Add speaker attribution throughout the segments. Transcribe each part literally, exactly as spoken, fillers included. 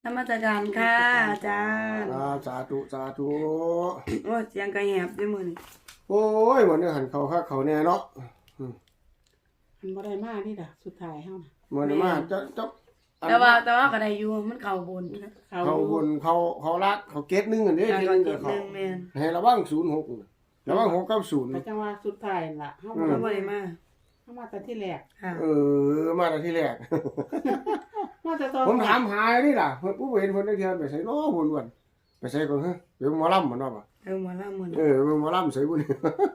Speaker 1: นมัสการค่ะอาจารย์
Speaker 2: อ่าสาธุสาธุ
Speaker 1: โอ้เสียงกระแหบด้วยมือนี่
Speaker 2: โอ้ยวันนี้หันเขาคักเขาแน่เนาะ
Speaker 3: มันบ่ได้มานี่ล่ะสุดท้ายเฮาน่ะ
Speaker 2: มันมาจะจะอัน
Speaker 1: แต่ว่าแต่ว่าก็ได้อยู่มันเข้าบนนะ
Speaker 3: เขา
Speaker 2: เขาบนเขาเขารักเขาเก็ตหนึงอันนี้
Speaker 1: การ
Speaker 2: ที่
Speaker 1: ก่อน
Speaker 2: นึง
Speaker 1: เก็
Speaker 2: กั
Speaker 1: บบ ห
Speaker 2: เขา
Speaker 1: นึ่งแม่น
Speaker 2: ให้ระวังศูนย์หกระวังหกกับศูนย์
Speaker 3: ก็จังว่าสุดท้ายล่ะเฮา
Speaker 2: อื
Speaker 3: บ่
Speaker 2: ม
Speaker 1: เขา
Speaker 3: ได้
Speaker 1: บ่ได้มา
Speaker 3: เฮามาแต่ที่แรก
Speaker 1: ค่ะ
Speaker 2: เออมาแต่ที่แรก
Speaker 3: มาแต่ตอน
Speaker 2: ผมถามหานี่ล่ะเพิ่นผู้เห็นเพิ่นได้เทื่อไปใส่เนาะบุญวันไปใส่ก่อนฮะเดี๋ยวหมอลำมันเนาะป่ะ
Speaker 1: เออมาละมื้อ
Speaker 2: เอ
Speaker 1: นี้
Speaker 2: อหมอลำใส่บุญ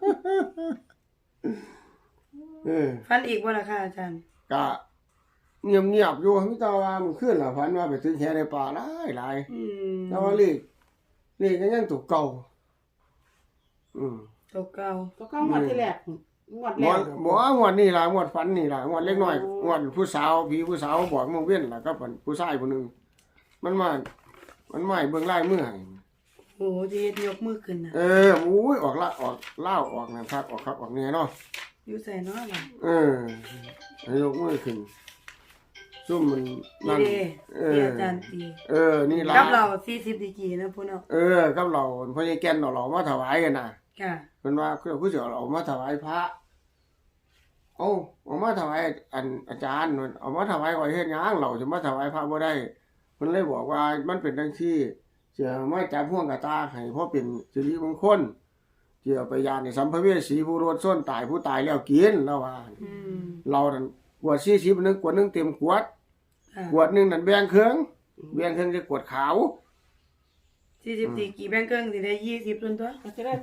Speaker 2: เออ
Speaker 1: ฟันอีกบ่ล่ะค่ะอาจารย์
Speaker 2: ก็เงียบๆอยู่มีแต่ว่ามันขึ้นล่ะฝันว่าไปถึงแค่ในป่าหลายหลาย
Speaker 1: อืม
Speaker 2: แต่ว่าเลขเลขก็ยังตัวเก่าอืม
Speaker 1: ตัวเก่า
Speaker 3: ก็เข้ามาที่แรกงวด
Speaker 2: หม
Speaker 3: แร
Speaker 2: ว
Speaker 3: ก
Speaker 2: ดบ่งวดนี้ล่ะงวดฝันนี่ล่ะงวดเล็กน้อยงวดผู้สาวผีผู้สาวบอกมึงเว้นล่ะก็ผู้ชายผู้หนึงมันมามันมาให้เบิ่งลายมือให้
Speaker 1: โอ้โหสิเฮ็ดยกมือขึ้นน่ะ
Speaker 2: เอออุ้ยออกละออกเล่าวออกนั่นครับออกครับออกแน่เนาะ
Speaker 1: อยู่ใส่เนาะล่ะ
Speaker 2: เออให้ยกมือขึ้นซุ่มมัน
Speaker 1: นี่
Speaker 2: นั่น
Speaker 1: เด้
Speaker 2: เอ
Speaker 1: ที่
Speaker 2: อ
Speaker 1: อาจารย์ตี
Speaker 2: เออนี่ล่ะ
Speaker 1: กับเราสี่สิบดีกรีนะพุ่นเนาะ
Speaker 2: เออกับเราพญาแก่นเอาเรามาถวายกันน่ะ
Speaker 1: ค่ะ
Speaker 2: เพิ่นว่าคือผู้เสียเอามาถวายพระเอาเอามาถวายอันอาจารย์นั่นเอามาถวายไว้เฮ็ดหยังเราจะมาถวายพระบ่ได้เพิ่นเลยบอกว่ามันเป็นจังซี่เสียมาจับห่วงกะตาให้เพราะเป็นสิริมงคลเกี่ยวไปยานในสัมภเวสีผู้รอดส้นตายผู้ตายแล้วกินแล้วว่า
Speaker 1: อืม
Speaker 2: เรานั่นขวดสี่สิบนึงขวดนึงเต็มขวด
Speaker 1: ค่ะ
Speaker 2: ขวดนึงนั่นแบ่งครึ่งแบ่งครึ่งจะขวดขาว
Speaker 1: สี่สิบดีกรีแบ่งครึ่งสิได้ยี่สิบส่วนตัว
Speaker 3: ก็จะได้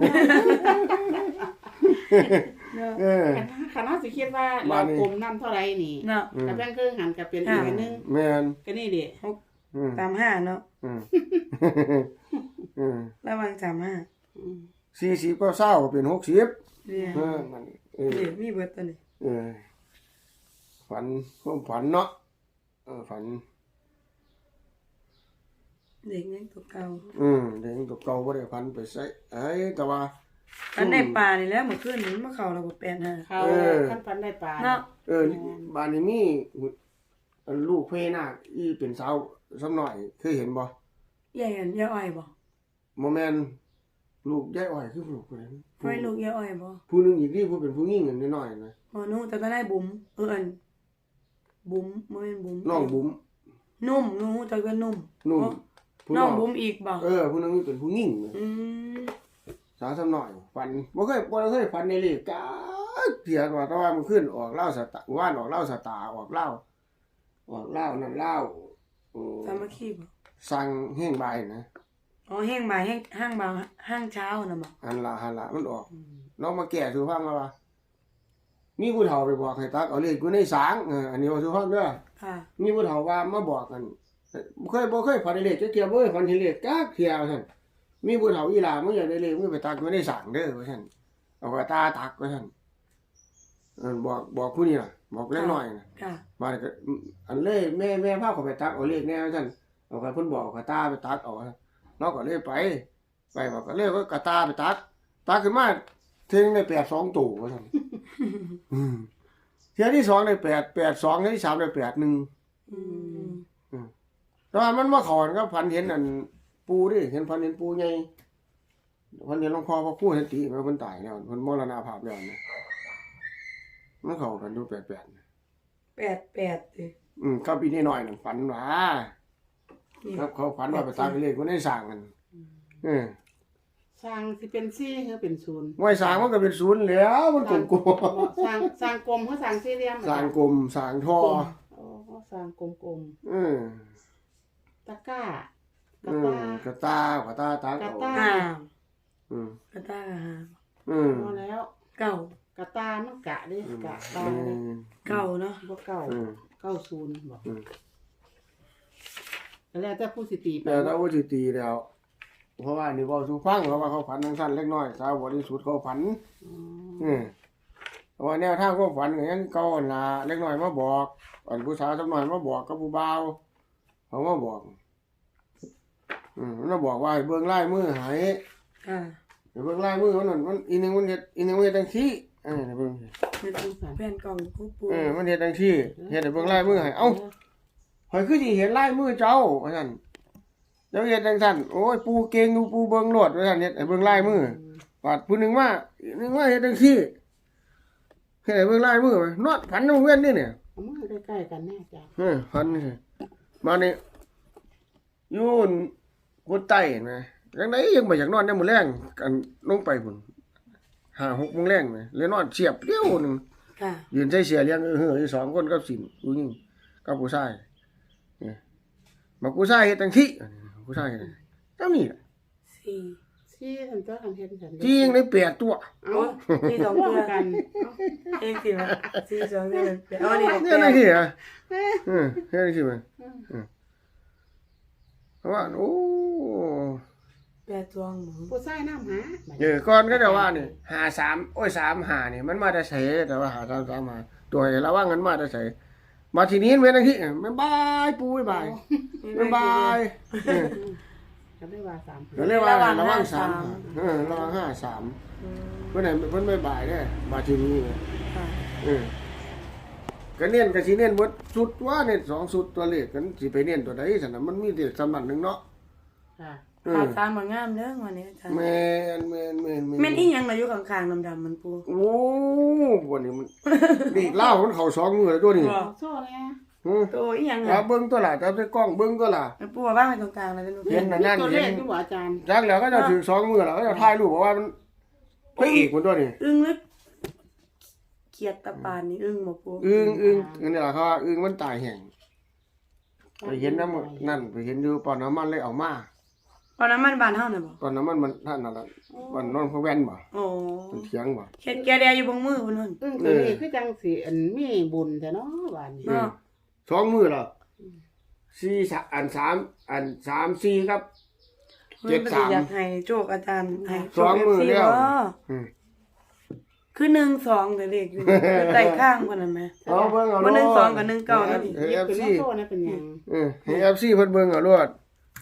Speaker 1: เนาะ
Speaker 2: เออ
Speaker 3: คณะสิคิดว่าเรากลมนํเท่าไหร่นี่
Speaker 1: เนาะ
Speaker 3: ก็แบ่งครึ่งหันก็เป็นอีกอันนึง
Speaker 2: แม่น
Speaker 3: ก็นี่ดิ
Speaker 2: อืม
Speaker 1: สามห้าเนาะ
Speaker 2: อืมอืม
Speaker 1: ระวังสามห้า
Speaker 3: อืม
Speaker 2: สี่สิบก็เศร้าก็เป็นหกสิบ
Speaker 1: เนี่ย
Speaker 2: เออมันเออ
Speaker 1: นี่มีเบิดตัวนี้
Speaker 2: เออฝันความฝันเนาะเออฝัน
Speaker 1: เด็กยังตัวเก่า
Speaker 2: อืมเด็กตัวเก่าบ่ได้ฝันไปใส่เอ้ยแต่ว่า
Speaker 1: อันในป่านี่แหล้วเมื่อคืนนี้มันมาเข้าระบบแปดห้า
Speaker 3: เขาคันฟันได้ปลา
Speaker 1: เนาะ
Speaker 2: เออบ้านนี้มีอันลูกเพนาคอีเป็นสาวสักหน่อยเคยเห็นบ่
Speaker 1: ยายอันยายอ้อยบ่
Speaker 2: บ่แม่นลูกยายอ้อยคือลูกผู้ใด
Speaker 1: ไว้ลูกยายอ้อยบ่
Speaker 2: ผู้หนึงอีกที่ผู้เป็นผู้หญิงอันน้อยๆนะ
Speaker 1: อ๋อหนูแต่ก็ได้บุ๋มเอออันบุ๋มบ่แม่นบุ๋ม
Speaker 2: น้องบุ๋ม
Speaker 1: นุ่มหนูแต่ก็นุ่ม
Speaker 2: นุ่ม
Speaker 1: อ๋อ
Speaker 2: ผู้
Speaker 1: น้องบุ๋มอีกบ่
Speaker 2: เออผู้หนึงเป็นผู้หญิงนะ
Speaker 1: อืม
Speaker 2: สาวสักหน่อยฝันบ่เคยบ่เคยฝันในเลขกาเถียว่าแต่ว่ามันขึ้นออกเหล้าสตาร์ว่านออกเหล้าสตาร์ออกเหล้าออกเหล้านั่นเหล้าโอ้
Speaker 1: สามัคคีบ่
Speaker 2: สั่งแห้งใบายนะ
Speaker 1: อ๋อแห้งบ่ายแห้งห้างบ่าวห้างเช้าน่ะบ่
Speaker 2: หันละหันละมันออกน้องมาแก่สู่ฟังแล้วว่ามีผู้เฒ่าไปบอกให้ตักเอาเลขอยู่ในสางเอออันนี้ว่าสู่ฟังเด้อ
Speaker 1: ค่ะ
Speaker 2: มีผู้เฒ่าว่ามาบอกกันบ่เคยบ่เคยฝันได้เลขจักเที่ยบ่เคยฝันเห็นเลขจักเที่ยว่าซั่นมีผู้เฒ่าอีหลามึงอยากได้เลขมึงไปตักอยู่ในสางเด้อว่าซั่นเอากระตาตักว่าซั่นเออบอกบอกผู้นี้ล่ะบอกเล็กน้อยน่ะ
Speaker 1: ค่ะ
Speaker 2: มาก็อันเลยแม่แม่พาเขาไปตักเอาเลขแน่ว่าซั่นเอาไปเพิ่นบอกกระตาไปตักเอาเราก็เลยไปไปบอกก็เลยก็กระตาไปตักตักขึ้นมาเท่งได้แปดสองตู่ว่าซั่น อืมเที่ยที่สองได้แปด แปดสองเที่ยที่สามได้แปดหนึ่ง
Speaker 1: อืม
Speaker 2: แต่ว่ามันมาขอนก็พันเห็นอันปูดิเห็นพันเห็นปูใหญ่พันเห็นหลวงพ่อพระครูเห็นตีมันเพิ่นตายแล้วเพิ่นมรณภาพแล้วนะมันเข้ากันอยู่แปดแปด
Speaker 1: แปดแปดสิ
Speaker 2: อืมก็ปีนี้หน่อยนั่นฝันว่า
Speaker 1: นี่
Speaker 2: ครับเขาฝันว่าไปตามไปเลขคนได้สร้างกันเออ
Speaker 3: สร้างสิเป็นสี่หรือเป็นศูนย์
Speaker 2: ไว้สร้างมันก็เป็นศูนย์แล้วมันกลม
Speaker 3: สร้างสร้างกลมหรือสร้างสี่เหลี่ยม
Speaker 2: ๆสร้างกลมสร้างท่อ
Speaker 3: โอ้สร้างกลม
Speaker 2: เออ
Speaker 3: ๆตะกร้า
Speaker 2: เอก
Speaker 3: ระ
Speaker 2: อ
Speaker 3: ตาก
Speaker 2: ระตากระตาตาก
Speaker 3: ระ
Speaker 2: เอา
Speaker 3: ตา
Speaker 1: ห้า
Speaker 2: อืม
Speaker 1: กระตากะห้า
Speaker 2: อืม
Speaker 3: พอแล้ว
Speaker 1: เก้าก
Speaker 3: ระตามันกะเด้กะตา
Speaker 2: อื
Speaker 3: เด้
Speaker 2: ม
Speaker 1: เก้าเนาะ
Speaker 3: บ่เก้า
Speaker 2: อืม
Speaker 3: เก้าศูนย์บ่
Speaker 2: อืม
Speaker 3: แล้วแต่ผู้สิตีไป
Speaker 2: แต่ถ้าว่าสิตีแล้วเพราะว่านี่เว้าสู่ฟังเพราะว่าเขาฝันทั้งสั้นเล็กน้อยสาวบริสุทธิ์เขาฝัน
Speaker 3: อ๋อ
Speaker 2: อืมเพราะว่าแนวทางความฝันก็ยังเก่าหั่นล่ะเล็กน้อยมาบอกอันผู้สาวสักหน่อยมาบอกกับผู้บ่าวเขามาบอกอืมมันมาบอกว่าให้เบิ่งลายมือให้
Speaker 1: ค่ะ
Speaker 2: ให้เบิ่งลายมือมันนั่นมันอีหนึงมันเฮ็ดอีหนึงมันเฮ็ดจังซี่เออให้เบิ่ง
Speaker 1: เป็นแผ่นกล่องผู้ปู
Speaker 2: เออมันเฮ็ดจังซี่เฮ็ดให้เบิ่งลายมือให้เอ้าข่อยคือสิเห็นลายมือเจ้าว่าซั่นเดี๋ยวเฮ็ดจังซั่นโอ้ยปูเก่งอยู่ปูเบิ่งโลดว่าซั่นเฮ็ดให้เบิ่งลายมือ บาดผู้หนึงมาอีกนึงว่าเฮ็ดจังซี่เฮ็ดให้เบิ่งลายมือไปนอนฝันโรงเรียนนี่เนี่ย
Speaker 3: เอามือใกล้ๆกันแน่จ้ะ
Speaker 2: เออฝันนี่มานี่อยู่กดใต้เห็นไหมจังไดยังบ่อยากนอนยามมื้อแลงกันลงไปพุ่นห้าหกโมงแลงแหมเลยนอนเสียบเดียวหนึง
Speaker 1: ค่ะ
Speaker 2: ยืนใส่เสียเลี้ยงเออเฮ้ออยู่สองคนกับสินผู้หญิงกับผู้ชายนี่บักผู้ชายเฮ็ดจังซี่ผู้ชายเฮ็ดจังนี้ล่ะ
Speaker 1: สี่
Speaker 3: ซี่ทันตัวทันเฮ็ดทัน
Speaker 2: จริงได้แปดตัว
Speaker 3: เอา
Speaker 1: สี่สอง
Speaker 3: ร่ว
Speaker 1: ตัว
Speaker 3: มกัน
Speaker 1: เองสิวะสี่สองตัวเดี๋ยวเอานี่
Speaker 2: เนี่ยจังซี่อ่ะเออเฮ็ดจังซี่มันเพราะว่าโอ้
Speaker 1: แปดตัวหมู
Speaker 3: ผู้ชายน้ำหา
Speaker 2: เออก่อนก็จะว่านี่หาสามโอ้ยสามหานี่มันมาแต่ไสแต่ว่าหาสามสามหาตัวให้ระวังกันมาแต่ไสมาทีนี้เป็นจังซี่มันบายปูบ๊ายบายบ๊ายบายเออ
Speaker 3: ก็ได้ว่าสาม
Speaker 2: ก็เรียกว่าระวังสามเออระวังห้าสามเพิ่นให้เพิ่นบ๊ายบายเด้อมาทีนี้เนี่ย
Speaker 1: ค่ะ
Speaker 2: เออก็เน้นก็สิเน้นเบิดสุดว่าเน้นสองสุดตัวเลขกันสิไปเน้นตัวใดซั่นน่ะมันมีเลขสำนักหนึงเนาะ
Speaker 3: ค่ะ
Speaker 2: เอ
Speaker 1: ขา
Speaker 2: อ
Speaker 1: ดสามมางามเด้อวันนี้อาจารย์
Speaker 2: แม่นแม่นแม่น
Speaker 1: แม่นอีหยังน่ะอยู่ข้างๆดำๆมันปู
Speaker 2: โอ้วันนี้มันเลขเล่ามันเข้าสองมือแล้วตัวนี้
Speaker 1: บ่
Speaker 3: โซ่เลย
Speaker 2: อือ
Speaker 1: ตัวอีหยัง
Speaker 2: ครั
Speaker 1: อ่ะ
Speaker 2: บเบิ่งตัวล่ะจับใส่กล้องเบิ่งตัวล่ะ
Speaker 1: มันปูว่าว่างไว้ตรงกลางเลยเป็นหนู
Speaker 2: เห็นนั่นนั่น
Speaker 3: ตัวเล
Speaker 2: เห็
Speaker 3: ข
Speaker 2: น
Speaker 3: ที่บอกอาจารย์
Speaker 2: จักแล้วก็จะถือสองมือแล้วก็จะถ่ายรูปบอกว่ามันพระเอกมันตัวนี้
Speaker 1: อึ้งลึกเขียดตะปานนี่อึ้งบ่ปู
Speaker 2: อึ้งอึ้งอันนี้ล่ะเขาว่าอึ้งมันตายแห้งไปเห็นน้ำนั่นไปเห็นอยู่ปอนน้ำมันเลยเอามา
Speaker 1: ตอนนั้นมันบ้านเฮาน่ะบ่
Speaker 2: ปอนน้ำมันมันท่านนั่นล่ะมันนอนพะแว่นบ่
Speaker 1: โอ้
Speaker 2: มันเถียงบ่
Speaker 1: เฮ็ดแกแดอยู่บงมือพุ่นนั่น
Speaker 3: อึ้งตัวนี้คือจังสิอันมีบุญแต่เนาะบ้านนี้
Speaker 1: เนาะ
Speaker 2: สองมือแล้วสี่สะอันสามอันสามสี่ครับ เจ็ดสาม
Speaker 1: อยากให้โชคอาจารย์ให้โช
Speaker 2: ส
Speaker 1: ค
Speaker 2: องมือ
Speaker 1: เอฟซี
Speaker 2: แล้ว
Speaker 1: บ่
Speaker 2: อืม
Speaker 1: คือหนึ่งสองแต่เลขอยู่คือใต้ข้างพุ่นน่ะแม่
Speaker 2: เอาเบิ่งเอา
Speaker 1: บ่หนึ่ง
Speaker 2: โลด
Speaker 1: สองกับหนึ่งเก้าแล้วนี่
Speaker 2: ให้
Speaker 3: เก็บ
Speaker 2: เอฟ
Speaker 3: เป็น
Speaker 2: ซี
Speaker 3: โซ่นะเป็นหยัง
Speaker 2: เออให้เอฟซีเพิ่นเบิ่งเอาโลด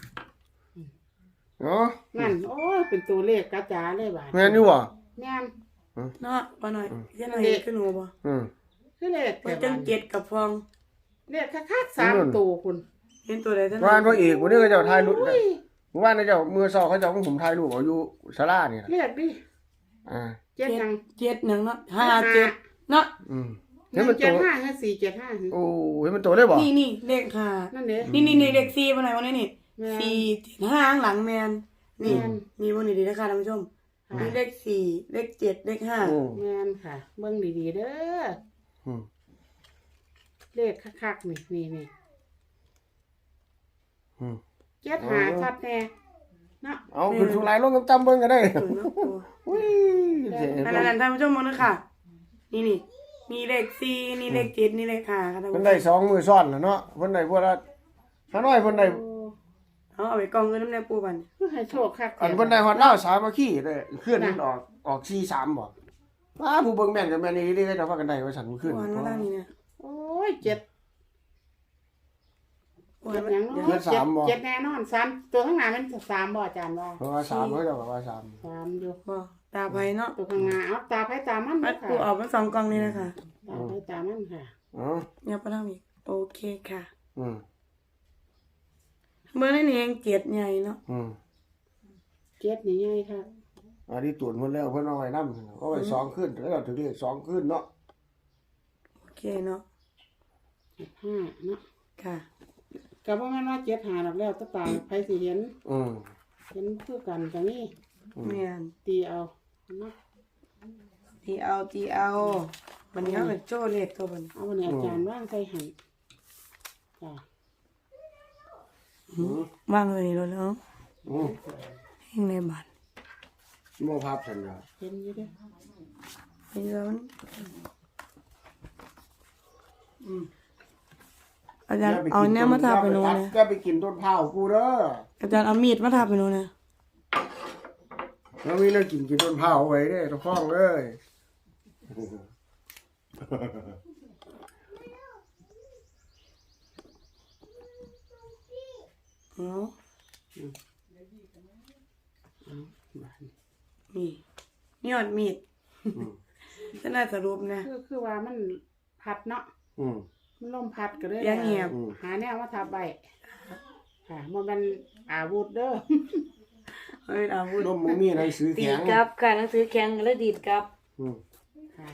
Speaker 2: เนาะ
Speaker 3: นั่นโอ้ยเป็นตัวเลขกระจาเลยบ้าน
Speaker 2: แม่นอยู่บ่
Speaker 3: แม่น
Speaker 1: เนาะบ่หน่อยยันหน่อยคือหนูบ่
Speaker 2: อืม
Speaker 3: คือเลข
Speaker 1: มันจังเจ็ดกับฟอง
Speaker 3: เลขคักๆสามตัวคุณ
Speaker 1: เห็นตัวใดซั่น
Speaker 2: ว่านพระเอกวันนี้ก็เจ้าถ่ายรูปว่านเจ้ามือซอเขาเจ้าของผมถ่ายรูปเอาอยู่ศาลานี่ล่ะ
Speaker 3: เลขดิ
Speaker 2: อ่า
Speaker 3: เจ็ดหยัง
Speaker 1: เจ็ดหนึ่งเนาะห้าเจ็ดเนาะ
Speaker 2: อืม
Speaker 3: ห
Speaker 2: เห็น
Speaker 3: นึ่
Speaker 2: มั
Speaker 3: ง
Speaker 2: นโต
Speaker 3: เจ็ดห้าห้าสี่เจ็ดห้า
Speaker 2: โอ้เห็นมันโตได้บ่
Speaker 1: นี่นี่เลขห้า
Speaker 3: นั่นเด้
Speaker 1: นี่นี่นี่เลขสี่บ่หน่อยวันนี้นี่
Speaker 3: แม่น
Speaker 1: สี่เจ็ดห้าข้างหลังแมนนี่
Speaker 3: แม่น
Speaker 1: นี่บ่นี่ดีนะคะท่านผู้ชมนี่เลขสี่เลขเจ็ดเลขห้า
Speaker 2: โอ้
Speaker 3: แม่นค่ะ เบิ่งดีๆเด้อ
Speaker 2: อืม
Speaker 3: เลขคักๆนี่นี่นี่
Speaker 2: อืม
Speaker 3: เจ็ดหาชัดแน่เนาะ
Speaker 2: เอาขึ้นสุรายลงจำๆเบิ่งก็ได้
Speaker 1: สวยเนาะปู
Speaker 2: อุ้ยเจ๋ง
Speaker 1: นั่นนั่นท่านผู้ชมมองนะค่ะ นี่นี่นี่เลขสี่นี่เลขเจ็ดนี่เลขห้าค่ะท่าน
Speaker 2: เพิ่
Speaker 1: ผู้
Speaker 2: น
Speaker 1: ช
Speaker 2: ได้
Speaker 1: ม
Speaker 2: สองมือซ้อนแล้วเนาะเพิ่นได้พวกละถ้าน้อยเพิ่นได้
Speaker 1: เอาเอาไปกองเงินน้ำแน่ปูบัน
Speaker 3: คือให้โชคคัก
Speaker 2: อันเพิ่นได้ฮอดลาวสามัคคีได้เคลื่อนมันออกออกสี่สามบ่ว้าผู้เบิ่งแม่นก็แม่นอีหลีก็จะพากันได้ว่าซั่นมันขึ้น
Speaker 1: วันมาล่างนี่เนี่ย
Speaker 3: โอ้ยเจ็ด
Speaker 1: วัน
Speaker 3: เจ็ด
Speaker 1: มา
Speaker 3: หยัง
Speaker 1: เดี๋ยว
Speaker 3: เนาะเจ็ดเจ็ดแน่นอนสามตัวข้างหน้ามันสามบ่อาจารย์ว่า
Speaker 2: เพราะว่าสามเขาเจ้าก็ว่าสาม
Speaker 3: สามอยู่
Speaker 1: บ่ตาไปเนาะ
Speaker 3: ตัวข้างหน้าเอาตาไผตามัน
Speaker 1: มั
Speaker 3: เด้
Speaker 1: ด
Speaker 3: อค่ะ
Speaker 1: ปูออกมาสองกองนี่นะคะ
Speaker 3: ตาไผตามันค่ะ
Speaker 2: อ๋อ
Speaker 1: เนี่ยไปทางอีกโอเคค่ะ
Speaker 2: อืม
Speaker 1: เบอร์นี่นี่เองเจ็ดใหญ่เนาะ
Speaker 2: อืม
Speaker 3: เจ็ดนี่ใหญ่ค่ะ
Speaker 2: อันนี้ตรวจเพิ่นแล้วเพิ่นเอาไว้นำเอาไว้สองขึ้นแล้วถึงเรียกสองขึ้นเนาะ
Speaker 1: โอเคเนาะ
Speaker 3: เจ็ดห้าเนาะ
Speaker 1: ค่ะ
Speaker 3: ก็บ่แม่นว่าเจ็ดหาดอกแล้วแตาตาไผสิเห็น
Speaker 2: อืม
Speaker 3: เห็นคือกันก็มี
Speaker 1: แม่น
Speaker 3: ตีเอาเนาะ
Speaker 1: ตีเอาตีเอาวันนี้เขาเป็นโจ้เลขตัวบัน
Speaker 3: เอาวันนี้อาจารย์ว่างใส่หั่นจ้ะ
Speaker 2: อืม
Speaker 1: ว่างเลยนี่แล้วเนาะ
Speaker 2: อืม
Speaker 1: เฮงในบ้าน
Speaker 2: โมภาพสัญญา
Speaker 3: เห็นอยู่เด้อ
Speaker 1: เฮงแล้วอาจารย์เอาเนี่ยมาทาไปโน่นนะ
Speaker 2: ก็ไปกินต้นเผากูเด้อ
Speaker 1: อาจารย์เอามีดมาทาไปโน่นนะ
Speaker 2: แล้วมีเรื่องกินกินต้นเผาไว้เด้อทุกห้องเลย
Speaker 1: เนาะ
Speaker 3: บ้าน
Speaker 1: นี่นี่อดมีดจะน่าสรุปนะ
Speaker 3: คือคือว่ามันพัดเนาะ
Speaker 2: อืม
Speaker 3: มันลมพัดก็เลย
Speaker 1: ยังเงียบ
Speaker 3: หาแนวมาทับใบค่ะบ่แม่นอาวุธเด้อ
Speaker 1: เฮ้ยอาวุธ
Speaker 2: นมบ่มีหนังสือ
Speaker 1: ดี
Speaker 2: แข็
Speaker 1: ด
Speaker 2: ง
Speaker 1: กลับค่ะหนังสือแข็งแล้วดีดกลับ
Speaker 2: อืม
Speaker 3: ค่ะ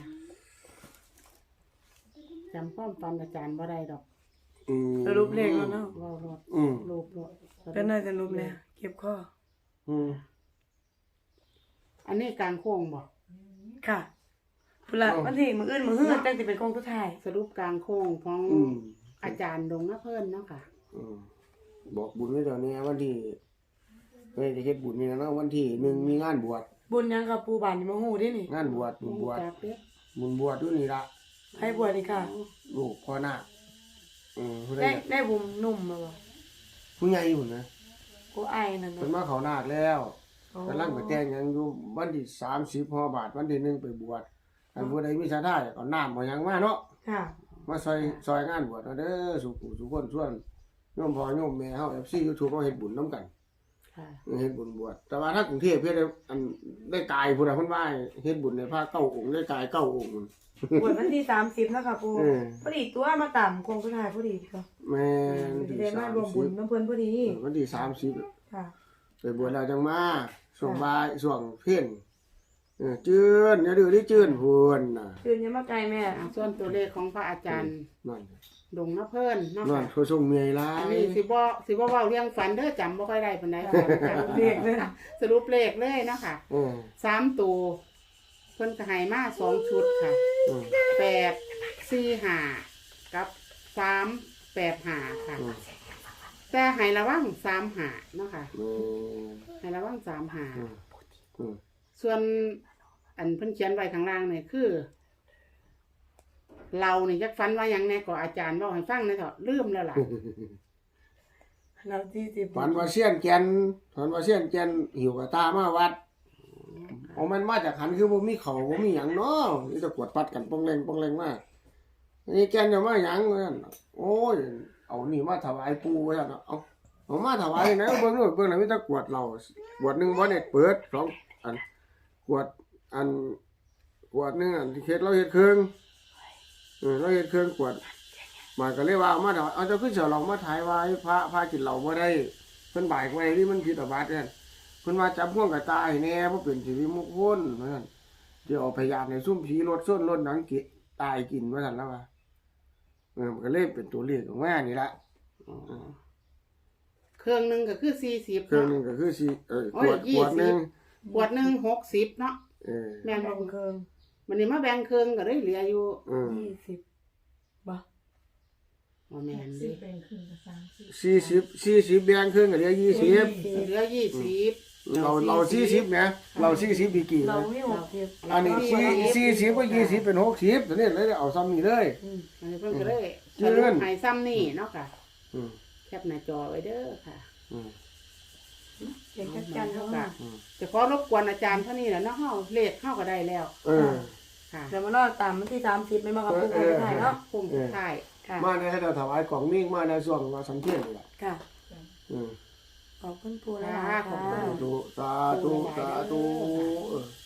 Speaker 3: จำความฝันอาจารย์บ่ได้ดอก
Speaker 2: อืม
Speaker 1: สรุปเลขแล้วเนาะ
Speaker 3: เว้ารถ
Speaker 2: อืม
Speaker 3: รูปรถ
Speaker 1: เป็นน่าจะรูปแล้วเก็บข้อ
Speaker 2: อืม
Speaker 3: อันนี้กลางโค้งบ่
Speaker 1: ค่ะพุ่นละวันที่มื้ออื่นมื้อฮื้อจังสิเป็นโค้งสุดท้าย
Speaker 3: สรุปกลางโค้งของ
Speaker 2: อืม
Speaker 3: อาจารย์ดงนะเพิ่นเนาะค่ะ
Speaker 2: อืมบอกบุญไว้เดี๋ยวนี้วันที่เฮ้ยจะเฮ็ดบุญนี่นะเนาะวันที่หนึ่งมีงานบวช
Speaker 1: บุญยังกับปูบานนี่บ่ฮู้เดินี่
Speaker 2: งานบวชบุญบวช
Speaker 3: จากเด้อ
Speaker 2: บุญบวชอยู่นี่ละ
Speaker 1: ให้บวชนี่ค่ะ
Speaker 2: ลูกพ่อนาคอืมผู้ใด
Speaker 1: ได้ได้บุญนุ่มมาบ่
Speaker 2: ผู้ใหญ่พุ่นนะ
Speaker 1: กูอายนั่น
Speaker 2: เพิ่น
Speaker 1: เนาะ
Speaker 2: มาเขานาคแล้ว
Speaker 1: อ๋อก
Speaker 2: ำลังไปแต่งหยังอยู่วันที่สามสิบฮอบาทวันที่หนึ่งไปบวชอันผู้ใดมีศรัทธาเอาน้ำเอาหยังมาเนาะ
Speaker 1: ค่ะ
Speaker 2: มาซอยซอยงานบวชเอาเด้อสุขุสุขคนส่วนโยมพ่อโยมแม่เฮา เอฟ ซี YouTube เฮาเฮ็ดบุญนํกัน
Speaker 3: ค่ะ
Speaker 2: เฮ็ดบุญบวชแต่ว่าถ้ากรุงเทพเฮ็ดได้อันได้กายพุ่นน่ะเพิ่นว่าเฮ็ดบุญในพระเก้าองค์ได้กายเก้าองค์พุ่น
Speaker 1: บวชวันที่สามสิบแล้วค่ะปู
Speaker 2: เออ
Speaker 1: พอดีตัวมาตามโค้งสุดท้ายพอดีค่ะ
Speaker 2: แม่น
Speaker 1: สิ
Speaker 2: ที่
Speaker 1: ได้มาร่วมบุญ
Speaker 2: สามสิบ
Speaker 1: น้ำเพิ่นพอดี
Speaker 2: เออวันที่สามสิบ
Speaker 1: ค่ะ
Speaker 2: ไปบวชแล้วจังมาช่วงบ่ายช่วงเพ็ญเออจื้นอย่าดื้อดิจื้นพุ่นน่ะ
Speaker 1: คืนยังมาไกลแม่
Speaker 3: อ่าส่วนตัวเลขของพระอาจารย์
Speaker 2: นั่น
Speaker 3: ดงนะเพิ่นเนาะ
Speaker 2: นั่น
Speaker 3: ค่ะ
Speaker 2: เขาส่งเมียหลา
Speaker 3: อัน
Speaker 2: ย
Speaker 3: นี้สิบ่สิบ่เว้าเรื่องฝันเด้อจำบ่ค่อยได้ปานใดค่ะจำ
Speaker 1: เลขเลย
Speaker 3: สรุปเลขเลยเนาะค่ะ
Speaker 2: เออ
Speaker 3: สามตัวเพิ่นก็ให้มาสองชุดค่ะ
Speaker 2: เออ
Speaker 3: แปดสี่ห้ากับสามแปดห้าค่ะ
Speaker 2: เออ
Speaker 3: แต่ให้ระวังสามห้าเนาะค่ะ
Speaker 2: เออ
Speaker 3: ให้ระวังสามห้า
Speaker 2: เออเออ
Speaker 3: ส่วนอันเพิ่นเขียนไว้ข้างล่างเนี่ยคือ เรานี่จักฝันว่าหยังแน่ก็อาจารย์เว้าให้ฟังหนะเถอะลืมแล้วล่ะ
Speaker 1: เราที่สิบ
Speaker 2: ฝันว่าเสี้ยนแกนฝันว่าเสี้ยนแกนหิวกระตามาวัดเอามันมาจากหันคือบ่มีเขาบ่มีหยังเนาะนี่จะกวดปัดกันปองแรงปองแรงมานี่แกนจะมาหยังว่าซั่นโอ้ยเอานี่มาถวายปู่ว่าซั่นเอาเอามาถวายนะเบิ่งนู่นเบิ่งแล้วมีแต่กวดเรากวดหนึงบ่ได้เปิดสองอันกวดอันกวดหนึงอันที่เฮ็ดเราเฮ็ดเครื่องเออเราเฮ็ดเครื่องกวดมาก็เลยว่าเอามาถวายเอาเจ้าคือเสียเรามาถ่ายไว้พระพระกินเหล้าบ่ได้เพิ่นบ่ายไว้ที่มันผิดอาบัตินั่น เพิ่นว่าจับห่วงกับตายแน่บ่เป็นสิริมงคลว่าซั่นเดี๋ยวเอาพยานให้ซุ่มผีรถส้นรถหนังกิตายกินว่าซั่นแล้วว่าเออมันก็เลยเป็นตัวเลขออกมานี่ล่ะ
Speaker 3: เครื่องหนึงก็คือสี่สิบ
Speaker 2: เครื่องหนึ
Speaker 3: เนาะ
Speaker 2: งก็คือสิเออ
Speaker 3: โอ้
Speaker 2: ข
Speaker 3: ยว
Speaker 2: ด
Speaker 3: ยี่
Speaker 2: ข
Speaker 3: สิ
Speaker 2: ว
Speaker 3: บ
Speaker 2: ดหนึง
Speaker 3: ขวดหนึงหกสิบเนาะ
Speaker 2: เออ
Speaker 3: แม่น
Speaker 1: แบ่
Speaker 3: บ่
Speaker 1: งเครื่อง
Speaker 3: มันนี่มาแบ่งเครื่องก็เลยเหลืออยู่
Speaker 2: เออ
Speaker 1: ยี่สิบบ่
Speaker 3: บ่แม่นเดิ
Speaker 2: สี่สิบ สี่สิบแบ่งครึ่งก็เหลือยี่สิบ
Speaker 3: เหลือยี่สิบ
Speaker 2: เราเราสี่สิบแหมเราสี่สิบดีกี่
Speaker 1: เรา
Speaker 2: นะ
Speaker 1: ไม่หกสิบ
Speaker 2: อันนี้สี่สี่สิบก็ยี่สิบเป็นหกสิบตัวนี้เลยเอาซ้ำนี่เลย
Speaker 3: อืมอันนี้เพิ่นก็เลย
Speaker 2: เจ
Speaker 3: ส
Speaker 2: ริ
Speaker 3: รุ
Speaker 2: ญ
Speaker 3: ปให้ซ้ำนี่เนาะค่ะ
Speaker 2: อืม
Speaker 3: แคปหน้าจอไว้เด้อค่ะ
Speaker 2: อืม
Speaker 1: เด็กจัดการเขามา
Speaker 2: อืม
Speaker 3: จะขอรบกวนอาจารย์เท่านี้แหละเนาะเฮาเลขเฮาก็ได้แล้ว
Speaker 2: เออ
Speaker 3: ค่ะ
Speaker 1: เดี๋ยวมารอตามวันที่สามสิบไม่มากับปูโค้งสุดท้ายเนาะ
Speaker 3: คงสุดท้าย
Speaker 1: ค่ะ
Speaker 2: มาในให้เราถวายกล่องมิ่งมาในส่วนว่าสันเทียนนี่แหละ
Speaker 1: ค่ะ
Speaker 2: อืม
Speaker 1: ขอบคุณปูนะ
Speaker 3: ค่ะ
Speaker 1: คะ
Speaker 3: ขอบคุณ
Speaker 2: สาธุสาธุสาธุเออ